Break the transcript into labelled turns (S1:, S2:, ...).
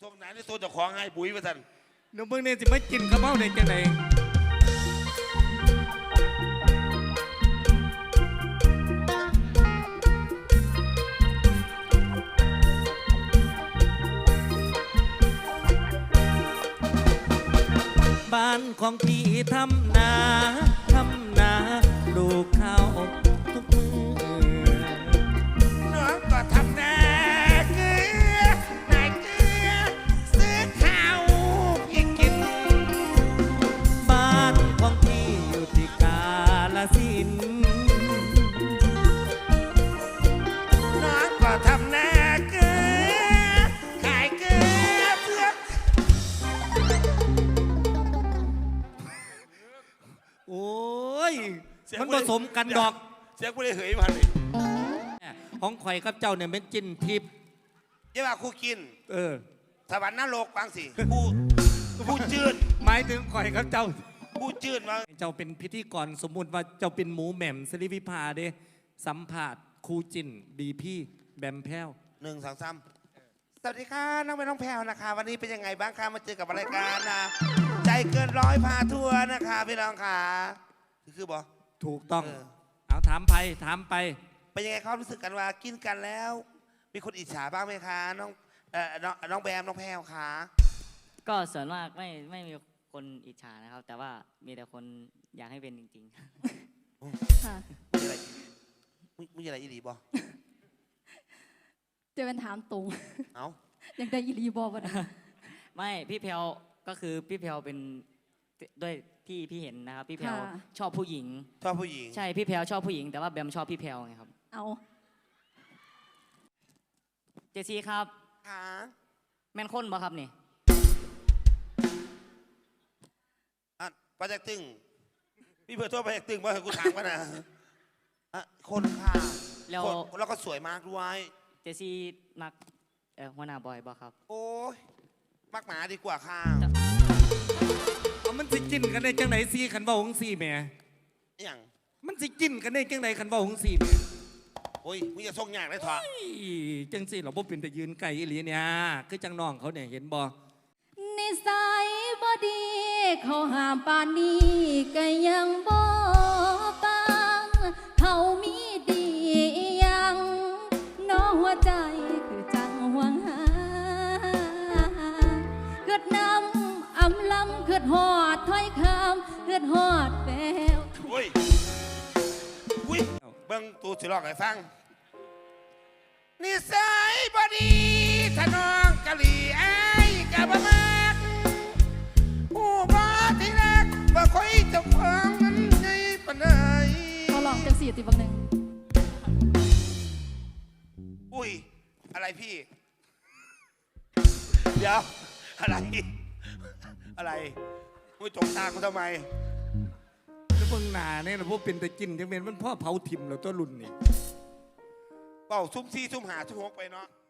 S1: ทงไหนนี่ตัวเจ้าของให้ปุ๋ยมาสั่น
S2: หนูเบิ่งเนี่ยสิมากินข้าวเม่าได้จังไดบ้านของพี่ทำนาลูกข้าวทุกมือ
S1: น้องก็ทำนาเกลือนายเกลือซื้อข้าวพี่กิน
S2: บ้านของพี่อยู่ที่กาฬสินธุ์
S1: น้องก็ทำนาเกลือขายเกลือเพื่อ
S2: โอ้ยมันผสมกันดอก
S1: เสียงกูเลยเหยมาเลย
S2: ของข่อยกับเจ้าเนี่ยเป็นจิ้นทิพย์
S1: ยี่ว่าครูกินสวรรค์นรกฟังสิผู้จืด
S2: หมายถึงข่อยกับเจ้า
S1: ผู้จืดมา
S2: เจ้าเป็นพิธีกรสมมุติว่าเจ้าเป็นหมูแหม่มสริวิภาเด้สัมผัสครูจินดีพี่แบมแพ้ว
S1: 1 2 3สวัสดีค่ะน้องเป็นน้องแพรวนะคะวันนี้เป็นยังไงบ้างคะมาเจอกับรายการนะใจเกินร้อยพาทัวร์นะคะพี่น้องค่ะคือบอก
S2: ถูกต้องเอาถามไป
S1: เป็นยังไงความรู้สึกกันว่ากินกันแล้วมีคนอิจฉาบ้างไหมคะน้องแบมน้องแพรวคะ
S3: ก็ส่วนมากไม่มีคนอิจฉานะครับแต่ว่ามีแต่คนอยากให้เป็นจริงๆ
S4: ค่ะ
S1: มีอะไรอีหลีบอ
S4: จะเป็นถามตรง
S1: เอา
S4: ยังได้อีหลีบอวะ
S3: ไม่พี่เพลก็คือพี่เพลเป็นด้วยที่พี่เห็นนะครับพี่เพลชอบผู้หญิงใช่พี่เพลชอบผู้หญิงแต่ว่าแบมชอบพี่เพลไงครับ
S4: เอา
S3: เจซี่ครับ
S1: ค่ะ
S3: แม่นคนบ่ครับนี่
S1: ประจักษ์ตึงพี่เพื่อทั่วประจักษ์ตึงว่ากูถามกันนะคนค่ะแล้วก็สวยมากด้วย
S3: เจซี่มักหัวหน้าบอยบ่ครับ
S1: โอ้ยมักหมาดีกว่าค่ะ
S2: มันสิกินกันได้จังไหนซี่ขันบ่าของซี่แม่
S1: อย่าง
S2: มันสิกินกันได้จังไหนขันบ่าของซี่แม่
S1: โอ้ยมึงจะส่งยากได้ถอด
S2: จังซี่เราบ่เป็นแต่ยืนไก่อีหลีเนี่ยคือจังน้องเขาเนี่ยเห็นบ่
S4: นิสัยบ่ดีเขาห้ามปานนี้ก็ยังบ่ปังเขามีดียังน้อหัวใจคือจังหวังหาเกิดน้ำอำลำเกิดหอดถ้อยคำเกิดหอดแวว
S1: โอ้ยเบิ่งตูสิลอกให้ฟังนิสัยบ่ดีถ้าน้องกะหรี่ไอ้กะบ่มากผู้บ่ที่รักบ่ค่อยจะฟังนั้นไงปานใด
S4: เขาลองจังสี่ติบังหนึ่ง
S1: อุ้ยอะไรพี่เดี๋ยวอะไรมึงจกตากูทำไม
S2: แล้วเบิ่งหน้าเนี่ยเราพวกเป็นแต่กินจังเป็นมันพ่อเผาถิ่มแล้วตัวรุ่นนี่
S1: เป่าซุ่มซี่ซุ่มหาซุ่มหกไปเนาะ